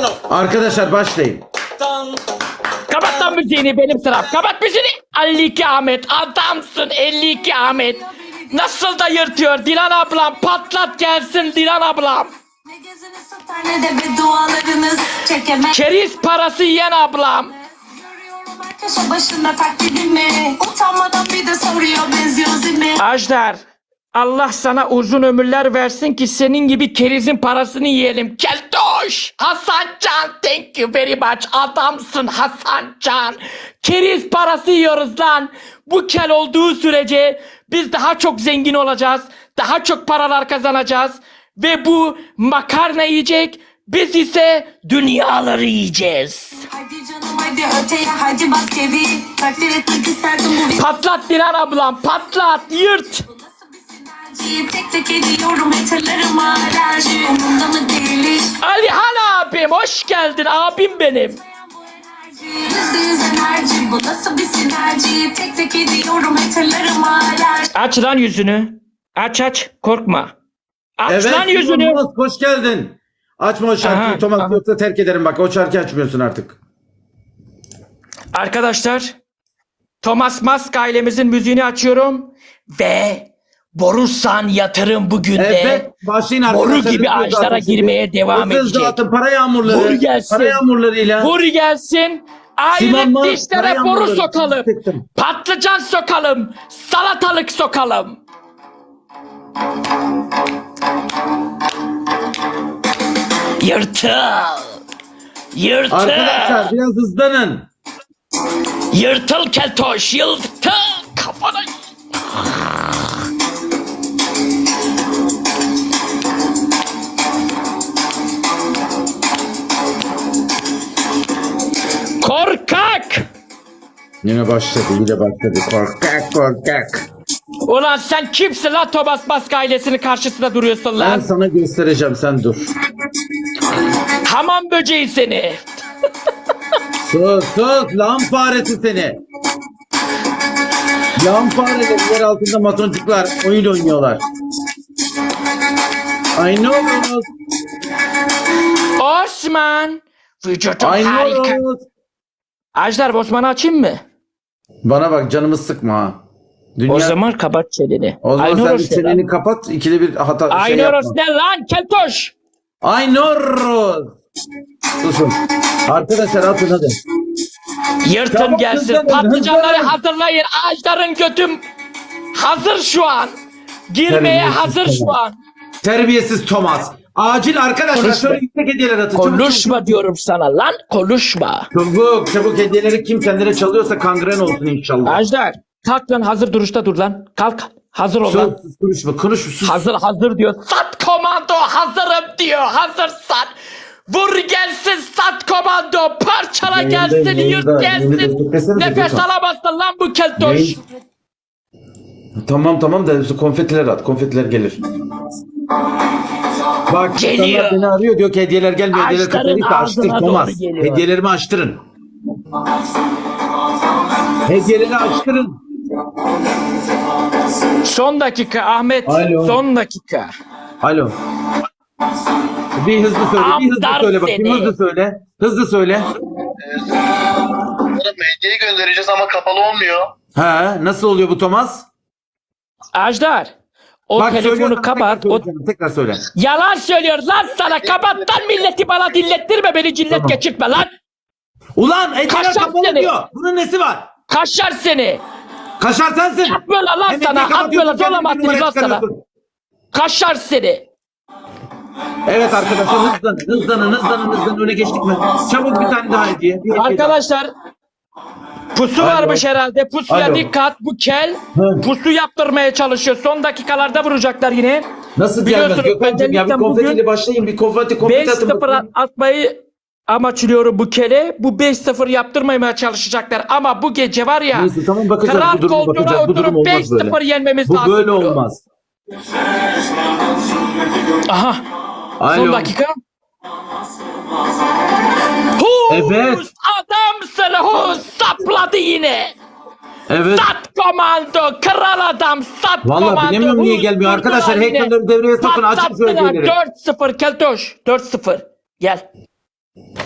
Arkadaşlar başlayın. Kapat lan müziğini, benim sıram. Kapat müziğini. 52 Ahmet adamsın, 52 Ahmet. Nasıl da yırtıyor Dilan ablam, patlat gelsin Dilan ablam. Keriz parası yiyen ablam. Ajdar, Allah sana uzun ömürler versin ki senin gibi kerizin parasını yiyelim. Keltoş! Hasancan, thank you very much. Adamsın Hasancan. Keriz parası yiyoruz lan. Bu kel olduğu sürece biz daha çok zengin olacağız. Daha çok paralar kazanacağız. Ve bu makarna yiyecek. Biz ise dünyaları yiyeceğiz. Hadi canım hadi öteye hadi bas geri. Takdir etmek isterdim bu. Patlat Dilan ablam, patlat, yırt. Tek tek ediyorum hatırlarıma alerji. Umurumda mı değil hiç. Alihan abim, hoş geldin abim benim. %100 enerji. Bu nasıl bir sinerji. Tek tek ediyorum hatırlarıma alerji. Aç lan yüzünü. Aç, korkma. Aç lan Evet, yüzünü. Thomas, hoş geldin. Açma o şarkıyı Aha, Thomas, aha. yoksa terk ederim bak. O şarkıyı açmıyorsun artık. Arkadaşlar, Thomas Musk ailemizin müziğini açıyorum ve Borusan yatırım bugün de Evet, başlayın boru arkadaşlar. gibi Hızlı ağaçlara dağıtın şimdi. girmeye devam Hızlı edecek. dağıtın, para yağmurları. Vur gelsin. Para yağmurlarıyla. Vur gelsin. Simon Aile Mars, dişlere para boru yağmurları. sokalım. Sıktım. Patlıcan sokalım. Salatalık sokalım. Yırtıl. Yırtıl. Arkadaşlar biraz hızlanın. Yırtıl keltoş. Yırtıl. Kafana. Korkak. Yine başladı. Korkak. Ulan sen kimsin lan Thomas Musk ailesinin karşısında duruyorsun Ben lan? sana göstereceğim, sen dur. Hamam böceği seni. Sus lan faresi seni. Lan fareler yer altında masoncuklar oyun oynuyorlar. I know. Osman. Vücudun I harika. know. Ajdar, Osman'ı açayım mı? Bana bak, canımı sıkma ha. Dünya... O zaman kapat çeneni. O zaman sen Aynoros ne çeneni lan? kapat, ikide bir hata şey Aynoros yapma. ne lan keltoş? Aynoros. Susun. Arkadaşlar atın hadi. Yırtın Tamam, gelsin. hızlanın, Patlıcanları hızlanın. hazırlayın. Ajdar'ın götüm hazır şu an. Girmeye Terbiyesiz hazır şu Thomas. an. Terbiyesiz Thomas. Acil arkadaşlar Konuşma. şöyle yüksek hediyeler atın. Konuşma diyorum sana lan. Konuşma. Çabuk hediyeleri kim kendine çalıyorsa kangren olsun inşallah. Ajdar kalk lan, hazır duruşta dur lan. Kalk. Hazır ol lan. Sus, konuşma. Hazır diyor. Sat komando hazırım diyor. Hazırsan. Vur gelsin sat komando. Parçala Yayında, gelsin. yayında, Yırt gelsin. yayında beklesenize Nefes lütfen. alamazsın lan bu keltoş. Yayın- Tamam da konfetiler at. Konfetiler gelir. Bak Geliyor. insanlar beni arıyor, diyor ki hediyeler gelmiyor. Hediyeler Açtırın, kapalıysa açtır ağzına Thomas. doğru geliyor. Hediyelerimi açtırın. Hediyeleri açtırın. Son dakika Ahmet. Alo. Son dakika. Alo. Bir hızlı söyle bakayım. seni. Hızlı söyle. Oğlum hediye göndereceğiz ama kapalı olmuyor. He, nasıl oluyor bu Thomas? Ajdar. O Bak telefonu söylüyorsan kapat. tekrar söyle. Yalan söylüyor lan sana. Kapat lan, milleti bana dinlettirme. Beni cillet Tamam. geçirtme lan. Ulan hediyeler Kaşar kapalı seni. diyor. Bunun nesi var? Kaşar seni. Kaşar sensin. Atmıyorlar lan Hem sana. hediye kapatıyorsun, Atmıyorlar. Zorlama kendini attınız numara lan sana. çıkarıyorsun. Kaşar seni. Evet arkadaşlar hızlanın, öne geçtik mi? Çabuk bir tane daha hediye. Bir hediye Arkadaşlar pusu Alo. varmış herhalde. Pusuya Alo. dikkat. Bu kel Hı. pusu yaptırmaya çalışıyor. Son dakikalarda vuracaklar yine. daha. Nasıl Biliyorsunuz, gelmez Gökhan'cığım ya, bir özellikle konfetiyle bugün başlayın, bir konfeti atın 5-0 bakayım. atmayı amaçlıyorum bu kele. Bu 5-0 yaptırmamaya çalışacaklar. Ama bu gece var ya, Neyse tamam, bakacağız, kral bu duruma koltuğuna bakacağız. Bu durum oturup olmaz 5-0 böyle. yenmemiz Bu lazım. böyle bunu. olmaz. Aha. Alo. Son dakika. Evet. Adamsın Huz, sapladı yine. Evet. Sat komando, kral adam, sat Vallahi komando. bilemiyorum niye Huz, gelmiyor. vurdular Arkadaşlar yine. hackerları devreye sokun, açın şu Patlattılar. hediyeleri. 4-0 keltoş. 4-0. Gel.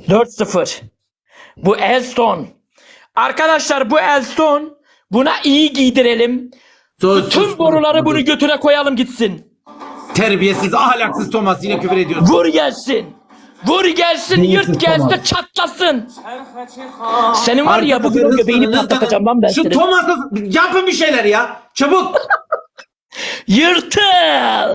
4-0. Bu Elston. Arkadaşlar bu Elston. Buna iyi giydirelim. Tüm boruları bunu götüne koyalım gitsin. Terbiyesiz, ahlaksız Thomas yine küfür ediyorsun. Vur gelsin. Vur gelsin, yırt gelsin, çatlasın. Senin var ya bugün o göbeğini patlatacağım lan ben Şu seni. Thomas'a yapın bir şeyler ya. Çabuk. Yırtıl.